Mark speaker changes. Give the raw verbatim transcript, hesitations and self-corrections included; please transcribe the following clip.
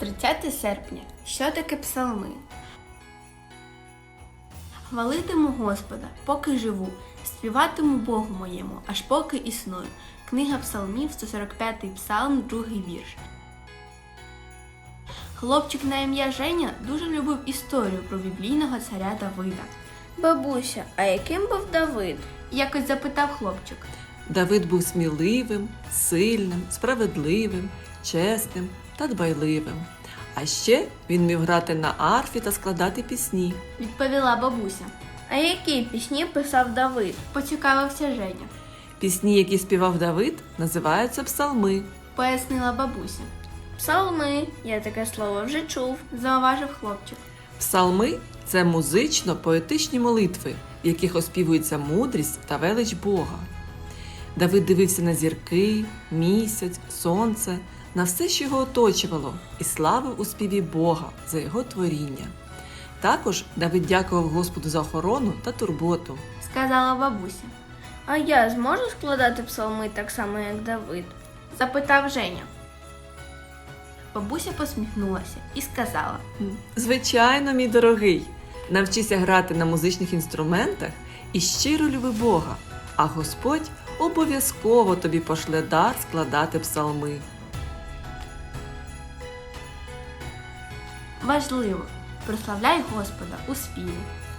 Speaker 1: тридцяте серпня. Що таке псалми? Хвалитиму Господа, поки живу, співатиму Богу моєму, аж поки існую. Книга псалмів, сто сорок п'ятий псалм, другий вірш. Хлопчик на ім'я Женя дуже любив історію про біблійного царя Давида.
Speaker 2: Бабуся, а яким був Давид?
Speaker 1: Якось запитав хлопчик.
Speaker 3: Давид був сміливим, сильним, справедливим, чесним та дбайливим. А ще він міг грати на арфі та складати пісні.
Speaker 1: Відповіла бабуся.
Speaker 2: А які пісні писав Давид?
Speaker 1: Поцікавився Женя.
Speaker 3: Пісні, які співав Давид, називаються псалми.
Speaker 1: Пояснила бабуся.
Speaker 2: Псалми, я таке слово вже чув.
Speaker 1: Зауважив хлопчик.
Speaker 3: Псалми – це музично-поетичні молитви, в яких оспівується мудрість та велич Бога. Давид дивився на зірки, місяць, сонце, на все, що його оточувало, і славив у співі Бога за його творіння. Також Давид дякував Господу за охорону та турботу.
Speaker 1: Сказала бабуся.
Speaker 2: А я зможу складати псалми так само, як Давид?
Speaker 1: Запитав Женя. Бабуся посміхнулася і сказала.
Speaker 3: Звичайно, мій дорогий, навчися грати на музичних інструментах і щиро люби Бога, а Господь обов'язково тобі пошле дар складати псалми.
Speaker 1: Важливо, прославляй Господа у співі.